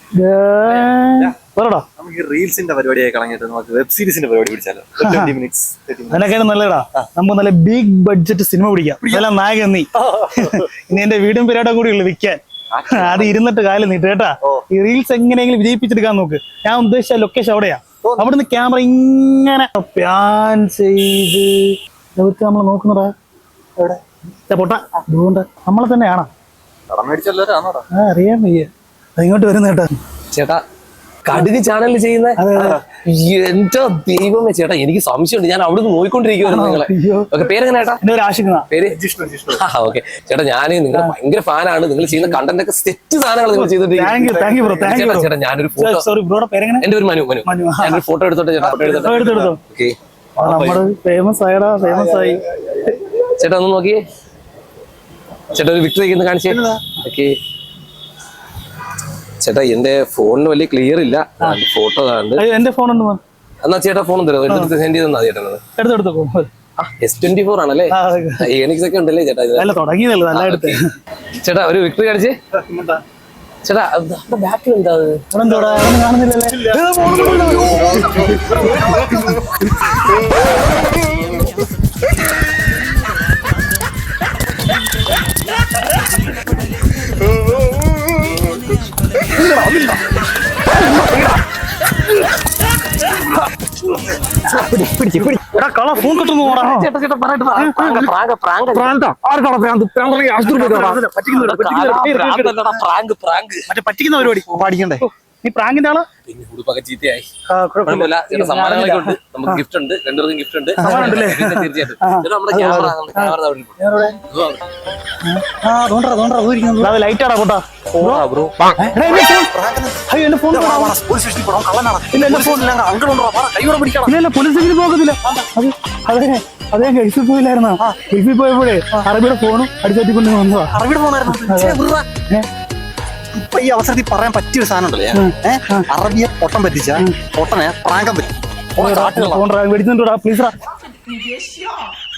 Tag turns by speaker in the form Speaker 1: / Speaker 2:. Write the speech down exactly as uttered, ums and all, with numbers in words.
Speaker 1: നമുക്ക് റീൽസിന്റെ പരിപാടിയായി കളഞ്ഞിട്ട് നമുക്ക് വെബ് സീരീസിന്റെ പരിപാടി പിടിച്ചാലോ?
Speaker 2: അതിനൊക്കെയാണ് നല്ലതാ. നമുക്ക് നല്ല ബിഗ് ബഡ്ജറ്റ് സിനിമ പിടിക്കാം. നല്ല നായകൻ നീ ഇനി എന്റെ വീടും പേരാടെ കൂടി ഉള്ളു വിൽക്കാൻ. അത് ഇരുന്നിട്ട് കാലം നീട്ട് കേട്ടാ. ഈ റീൽസ് എങ്ങനെയെങ്കിലും വിജയിപ്പിച്ചെടുക്കാൻ നോക്ക്. ഞാൻ ഉദ്ദേശിച്ച ലൊക്കേഷൻ അവിടെയാ. അവിടുന്ന് ക്യാമറ ഇങ്ങനെ പ്യാൻ ചെയ്ത് നമ്മൾ നോക്കുന്നതാ. പൊട്ട അതുകൊണ്ട് നമ്മളെ തന്നെയാണോ? അറിയാൻ വയ്യ. അതിങ്ങോട്ട് വരുന്ന കേട്ടാ.
Speaker 3: ചേട്ടാ കടുക് ചാനലിൽ ചെയ്യുന്ന എന്റെ ദൈവമേ ചേട്ടാ, എനിക്ക് സംശയമുണ്ട്. ഞാൻ അവിടെ നിന്ന് നോയിക്കൊണ്ടിരിക്കുവായിരുന്നു നിങ്ങളെ. ഓക്കെ, പേരെങ്ങനെ ചേട്ടാ? പേര് ഓക്കെ ചേട്ടാ, ഞാൻ നിങ്ങളുടെ ഭയങ്കര ഫാനാണ്. നിങ്ങൾ ചെയ്യുന്ന കണ്ടന്റ് ഒക്കെ സെറ്റ് സാധനങ്ങൾ നിങ്ങൾ ചെയ്തിട്ടുണ്ട് ചേട്ടാ. ഞാനൊരു ഫോട്ടോ, എന്റെ ഒരു മനു മനു ഞാനൊരു ഫോട്ടോ എടുത്തോട്ടെ ചേട്ടാ. ഫോട്ടോ എടുത്തോട്ടെ. ഓക്കെ,
Speaker 2: ഫേമസ് ആയടാ, ഫേമസ് ആയി.
Speaker 3: ചേട്ടാ ഒന്ന് നോക്കിയേ ചേട്ടാ, ഒരു വിക്ടറി ഒന്ന് കാണിച്ചേ. ഓക്കെ ചേട്ടാ, എന്റെ ഫോണിന് വലിയ ക്ലിയർ ഇല്ല. ഫോട്ടോ
Speaker 2: എന്റെ ഫോൺ
Speaker 3: എന്നാ ചേട്ടാ ഫോൺ തരാം, എടുത്ത് സെൻഡ് ചെയ്ത് തന്നാ ചേട്ടാ. എസ് ട്വന്റി ഫോർ ആണല്ലേ? എനിക്സ് ഒക്കെ ഉണ്ടല്ലേ ചേട്ടാ? ചേട്ടാ ഒരു വിക്ടറി കാണിച്ചേ ചേട്ടാ. ബാക്കിൽ എന്താ
Speaker 2: കാണുന്നില്ലല്ലേ? ഫോൺ കിട്ടുന്നു. പറ്റിക്കുന്ന പരിപാടി പാടിക്കണ്ടേ? നീ പ്രാങ്കിന്റെ ആളാ?
Speaker 3: പിന്നെ ഉടുപ്പൊക്കെ ചീത്തയായി. ചേട്ടാ സമ്മാനങ്ങളൊക്കെ ഉണ്ട്, നമുക്ക് ഗിഫ്റ്റ് ഉണ്ട്, രണ്ടുപേർക്കും ഗിഫ്റ്റ് ഉണ്ട്. തീർച്ചയായിട്ടും നമ്മുടെ ക്യാമറ
Speaker 2: ലൈറ്റ് ആടാ കൂട്ടാ. പോലീസ് പോകത്തില്ല. അതെ അതെ, ഗൾഫിൽ പോയില്ലായിരുന്നോ? ഗൾഫിൽ പോയപ്പോഴേ അറബിയുടെ ഫോണും അടിച്ചോട്ടിക്കൊണ്ട് വന്നതാ.
Speaker 1: അറബിയുടെ ഫോണായിരുന്നു. ഇപ്പൊ ഈ അവസരത്തിൽ പറയാൻ പറ്റിയൊരു സാധനം ഉണ്ടല്ലേ? അറബിയെ പൊട്ടം പറ്റിച്ച പൊട്ടനെ പ്രാങ്കം പറ്റി.
Speaker 2: ഫോൺ മേടിച്ചിട്ടുണ്ടോ പ്ലീസ്?